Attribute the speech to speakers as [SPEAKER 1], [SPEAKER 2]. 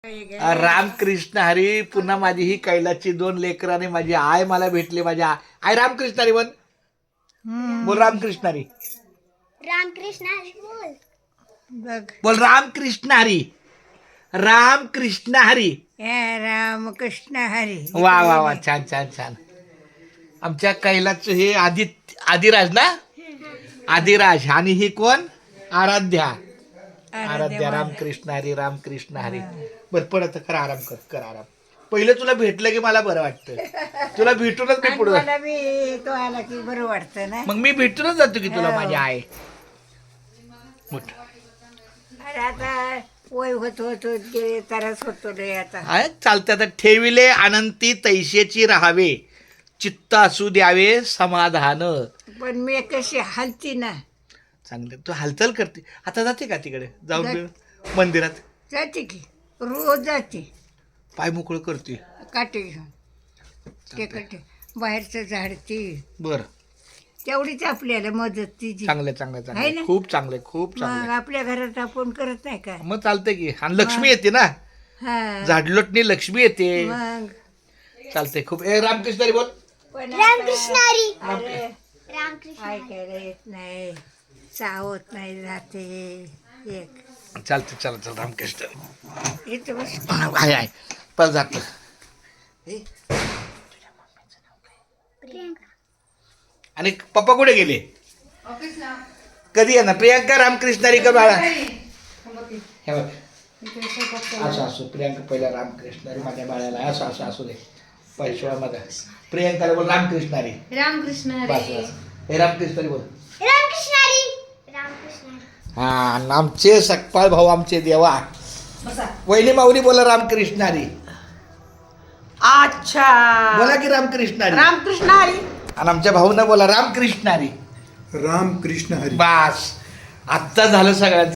[SPEAKER 1] रामकृष्ण हरी. पुन्हा माझी ही कैलाची 2 लेकरं आणि माझी आय मला भेटली. माझ्या आय रामकृष्ण हरी. बोल रामकृष्ण हरी.
[SPEAKER 2] रामकृष्ण हरी बोल.
[SPEAKER 1] बोल रामकृष्ण हरी. रामकृष्ण हरी.
[SPEAKER 3] रामकृष्ण हरी.
[SPEAKER 1] वा वा वा, छान छान छान. आमच्या कैलाचं हे आदिराज ना, आदिराज. आणि ही कोण? आराध्या. आराध्या. रामकृष्ण हरी. रामकृष्ण हरी. बरं पडत कर, आराम कर, कर आराम. पहिलं तुला भेटलं की मला बरं वाटतं. तुला भेटूनच मी पुढे
[SPEAKER 3] मला बी तो आला की बरं वाटतं ना.
[SPEAKER 1] मग मी भेटूनच जातो की तुला माझी आई.
[SPEAKER 3] अरे आता वय होत होत होत गेले तरच होतो रे आता.
[SPEAKER 1] चालते. आता ठेविले अनंती तैसेची राहावे, चित्त असू द्यावे समाधान.
[SPEAKER 3] पण मी कशी हलती ना.
[SPEAKER 1] चांगलं. तू हालचाल करते. आता जाते का तिकडे जाऊन मंदिरात?
[SPEAKER 3] जाते की रोज जाते.
[SPEAKER 1] पाय मोकळं करते.
[SPEAKER 3] काटे घेऊन ते काटे बाहेरचं झाडते.
[SPEAKER 1] बर,
[SPEAKER 3] तेवढीच आपल्याला मदत तिची.
[SPEAKER 1] चांगलं चांगलं
[SPEAKER 3] आहे
[SPEAKER 1] चांगलं.
[SPEAKER 3] ना?
[SPEAKER 1] खूप चांगलं खूप
[SPEAKER 3] मग
[SPEAKER 1] चांगलं.
[SPEAKER 3] आपल्या घरात आपण करत नाही का.
[SPEAKER 1] मग चालतंय की. आणि लक्ष्मी येते ना,
[SPEAKER 3] हा
[SPEAKER 1] झाडलोटणी लक्ष्मी येते.
[SPEAKER 3] मग
[SPEAKER 1] चालतंय खूप. रामकृष्ण हरी बोल.
[SPEAKER 3] पण
[SPEAKER 2] रामकृष्ण हरी.
[SPEAKER 3] अरे
[SPEAKER 2] रामकृष्ण हरी.
[SPEAKER 3] ऐकायला येत नाही, चावत नाही जाते एक.
[SPEAKER 1] चालते. चला चल रामकृष्ण हरी.
[SPEAKER 3] इथं बस.
[SPEAKER 1] आहे आहे पण जात.
[SPEAKER 2] प्रियंका.
[SPEAKER 1] आणि पप्पा कुठे गेले? कधी येणार? प्रियांका रामकृष्ण हरी का बाळा? हे बघ, असं असो. प्रियांका पहिला रामकृष्ण हरी माझ्या बाळाला. असं असं असू दे. पैशा मध्ये प्रियांकाला बोल रामकृष्ण हरी.
[SPEAKER 4] रामकृष्ण
[SPEAKER 1] बस
[SPEAKER 4] हरी.
[SPEAKER 1] बस. हे रामकृष्ण हरी बोल.
[SPEAKER 2] रामकृष्ण हरी. रामकृष्ण हरी.
[SPEAKER 1] हा, आणि आमचे सकपाळ भाऊ, आमचे देवा वहिनी माऊली बोला रामकृष्ण हरी.
[SPEAKER 3] अच्छा
[SPEAKER 1] बोला की रामकृष्ण हरी.
[SPEAKER 3] रामकृष्ण हरी.
[SPEAKER 1] आणि आमच्या भाऊनं बोला रामकृष्ण हरी.
[SPEAKER 5] रामकृष्ण हरी.
[SPEAKER 1] बास, आत्ता झालं सगळ्यांचं.